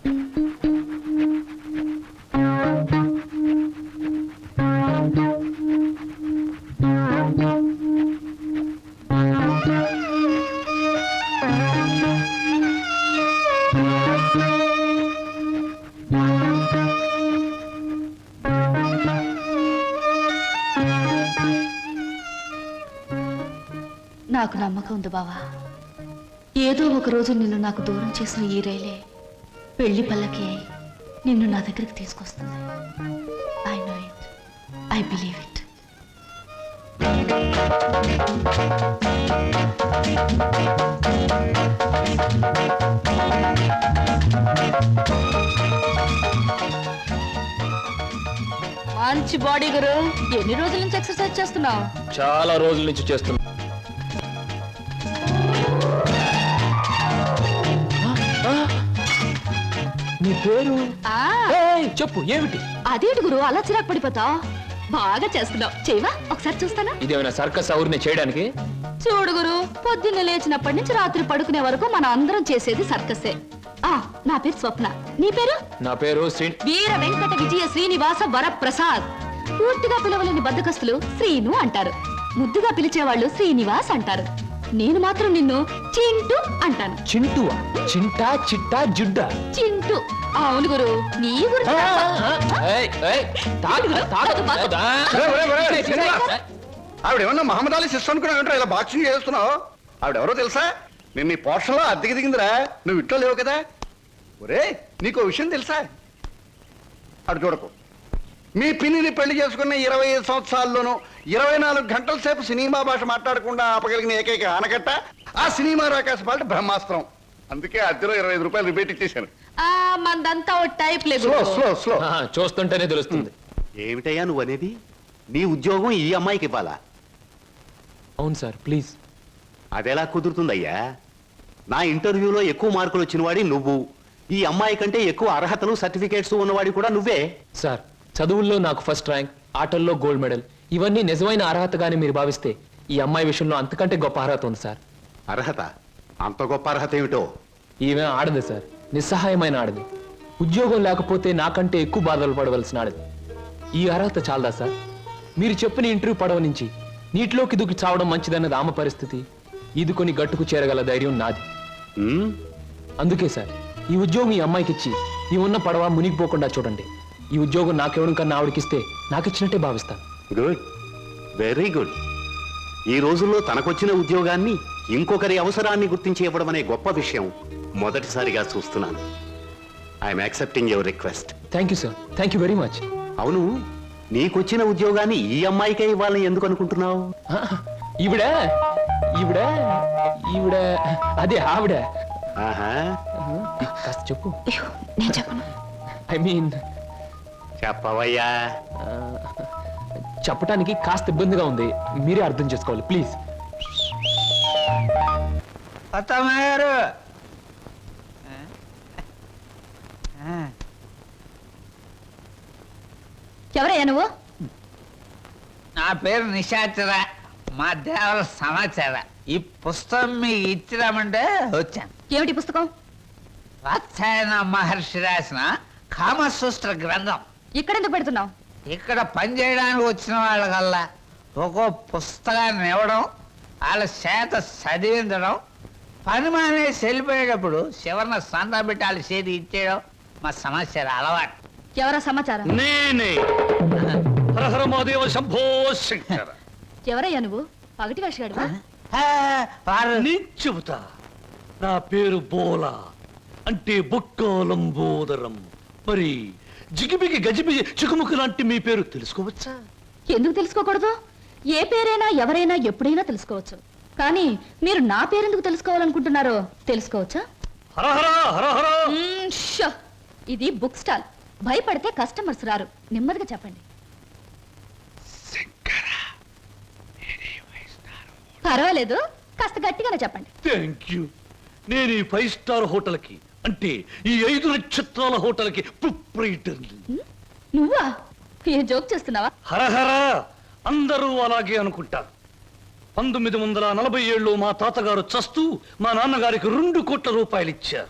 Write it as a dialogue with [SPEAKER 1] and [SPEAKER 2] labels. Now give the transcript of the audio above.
[SPEAKER 1] నాకు నమ్మకం ఉంది బావా. ఏదో ఒక రోజు నిన్ను నాకు దూరం చేసిన ఈ రైలే పెళ్లి పల్లకి అయి నిన్ను నా దగ్గరికి తీసుకొస్తుంది. I know it, I believe it. మంచి బాడీ గురు. ఎన్ని రోజుల నుంచి ఎక్సర్సైజ్ చేస్తున్నావు?
[SPEAKER 2] చాలా రోజుల నుంచి చేస్తున్నా. నీ పేరు చెప్పు, ఏమిటి?
[SPEAKER 1] అదేంటి గురు అలా చిరాకు పడిపోతావు? బాగా చేస్తున్నావు, చేయవా? ఒకసారి చూస్తానా?
[SPEAKER 2] ఇదేమైనా సర్కస్ ఊరిని చేయడానికి?
[SPEAKER 1] చూడు గురు, పొద్దున్న లేచినప్పటి నుంచి రాత్రి పడుకునే వరకు మనం అందరం చేసేది సర్కసే. నా పేరు స్వప్న. నీ పేరు?
[SPEAKER 2] నా పేరు
[SPEAKER 1] వీర వెంకట విజయ శ్రీనివాస వరప్రసాద్. పూర్తిగా పిలవలేని బద్దకస్తులు శ్రీను అంటారు, ముద్దుగా పిలిచేవాళ్ళు శ్రీనివాస్ అంటారు. నేను మాత్రం నిన్ను చింటూ అంటాను.
[SPEAKER 2] చింటువా? చింటా, చిట్టా, జుడ్డా?
[SPEAKER 1] చింటూ. అవును గురు, నీ గురించి
[SPEAKER 3] ఆవిడేమన్నా మహమ్మద్ అలీ సిస్టర్ అనుకున్నావు? ఇలా బాక్సింగ్ చేస్తున్నావు. ఆవిడెవరో తెలుసా? నేను నీ పోర్షన్లో అద్దెకి దిగిందిరా. నువ్వు ఇంట్లో లేవు కదా. ఒరే, నీకు విషయం తెలుసా? అటు చూడకు. మీ పిన్నిని పెళ్లి చేసుకున్న 25 సంవత్సరాల్లోనూ 24 గంటల సేపు సినిమా భాష మాట్లాడకుండా ఆపగలిగిన ఏకైక ఆనకట్ట ఆ సినిమా రాకాశ పాట బ్రహ్మాస్త్రం. అందుకే అద్దెలో 25 రూపాయలు రిపేట్ ఇచ్చేశాను.
[SPEAKER 1] మందంతా టైప్ లేదు.
[SPEAKER 3] స్లో
[SPEAKER 2] చూస్తుంటేనే తెలుస్తుంది.
[SPEAKER 4] ఏమిటయ్యా నువ్వు అనేది? నీ ఉద్యోగం ఈ అమ్మాయికి ఇవ్వాలా?
[SPEAKER 2] అవును సార్, ప్లీజ్.
[SPEAKER 4] అదెలా కుదురుతుందయ్యా? నా ఇంటర్వ్యూలో ఎక్కువ మార్కులు వచ్చిన వాడి నువ్వు. ఈ అమ్మాయి కంటే ఎక్కువ అర్హతలు సర్టిఫికేట్స్ ఉన్నవాడి కూడా నువ్వే.
[SPEAKER 2] సార్, చదువుల్లో నాకు ఫస్ట్ ర్యాంక్, ఆటల్లో గోల్డ్ మెడల్, ఇవన్నీ నిజమైన అర్హతగానే మీరు భావిస్తే ఈ అమ్మాయి విషయంలో అంతకంటే గొప్ప అర్హత ఉంది సార్.
[SPEAKER 4] అర్హత? అంత గొప్ప అర్హత ఏమిటో?
[SPEAKER 2] ఈమె ఆడదు సార్, నిస్సహాయమైన ఆడది. ఉద్యోగం లేకపోతే నాకంటే ఎక్కువ బాధలు పడవలసిన ఆడది. ఈ అర్హత చాలదా సార్? మీరు చెప్పిన ఇంటర్వ్యూ పడవ నుంచి నీటిలోకి దూకి చావడం మంచిదన్నది ఆమె పరిస్థితి. ఈదుకొని గట్టుకు చేరగల ధైర్యం నాది. అందుకే సార్, ఈ ఉద్యోగం ఈ అమ్మాయికి ఇచ్చి ఈ ఉన్న పడవ మునిగిపోకుండా చూడండి. ఈ ఉద్యోగం నాకెవడం కన్నా ఆవిడకిస్తే నాకిచ్చినట్టే భావిస్తాను.
[SPEAKER 4] Good, very good. ఈ రోజుల్లో తనకొచ్చిన ఉద్యోగాన్ని ఇంకొకరి అవసరాన్ని గుర్తించి ఇవ్వడం అనే గొప్ప విషయం మొదటిసారిగా చూస్తున్నాను. I'm accepting your request.
[SPEAKER 2] Thank you sir, thank you very much.
[SPEAKER 4] అవును, నీకొచ్చిన ఉద్యోగాన్ని ఈ అమ్మాయికే ఇవ్వాలని ఎందుకు అనుకుంటున్నావు?
[SPEAKER 2] ఈవిడ ఈవిడ ఈవిడ అదే ఆవిడ. కాస్త చెప్పు.
[SPEAKER 1] నేను చెప్పను.
[SPEAKER 2] ఐ మీన్
[SPEAKER 4] చెప్పవయ్యా.
[SPEAKER 2] చెప్పటానికి కాస్త ఇబ్బందిగా ఉంది, మీరే అర్థం చేసుకోవాలి ప్లీజ్.
[SPEAKER 5] అత్తమ్మగారు,
[SPEAKER 1] ఎవరయ్యా నువ్వు?
[SPEAKER 5] నా పేరు నిశాచర, మా దేవర సమాచార. ఈ పుస్తకం మీకు ఇచ్చిరామంటే వచ్చాను.
[SPEAKER 1] ఏమిటి పుస్తకం?
[SPEAKER 5] వాత్సాయన మహర్షి రాసిన కామసూత్ర గ్రంథం.
[SPEAKER 1] ఇక్కడెందుకు పెడుతున్నావు?
[SPEAKER 5] ఇక్కడ పనిచేయడానికి వచ్చిన వాళ్ళకల్లా ఒక్కో పుస్తకాన్ని ఇవ్వడం, వాళ్ళ చేత చదివించడం, పని మానేసి వెళ్ళిపోయేటప్పుడు చివరిన సంతా పెట్టి వాళ్ళ చేతి ఇచ్చేయడం మా సమస్య అలవాటు.
[SPEAKER 1] ఎవరా సమాచారం?
[SPEAKER 6] నేనే హరహర మహాదేవ శంభో శంకర.
[SPEAKER 1] ఎవరయ్యా నువ్వు? పగటి వేషగాడువా?
[SPEAKER 6] నేను చెబుతా. నా పేరు బోలా, అంటే బొక్కోలంబోదరం. మరి జిగిబిగి గజిబిగి చికుముకు లాంటి మీ పేరు తెలుసుకోవచ్చా?
[SPEAKER 1] ఎందుకు తెలుసుకోకూడదు? ఏ పేరైనా ఎవరైనా ఎప్పుడైనా తెలుసుకోవచ్చు. కానీ మీరు నా పేరెందుకు తెలుసుకోవాలనుకుంటున్నారో తెలుసుకోవచ్చా?
[SPEAKER 6] హరహర హరహర.
[SPEAKER 1] ఇది బుక్ స్టాల్. భయపడితే కస్టమర్స్ రారు. నెమ్మదిగా చెప్పండి. పర్వాలేదు, కాస్త గట్టిగానే చెప్పండి.
[SPEAKER 6] Thank you. నేను ఈ 5 స్టార్ హోటల్కి, అంటే ఈ 5 నక్షత్రాల హోటల్కి ప్రొప్రైటర్ని.
[SPEAKER 1] నువ్వా? ఏ జోక్ చేస్తున్నావా?
[SPEAKER 6] హరహర. అందరూ అలాగే అనుకుంటారు. 1947లో మా తాతగారు చస్తూ మా నాన్నగారికి 2 కోట్ల రూపాయలు ఇచ్చారు.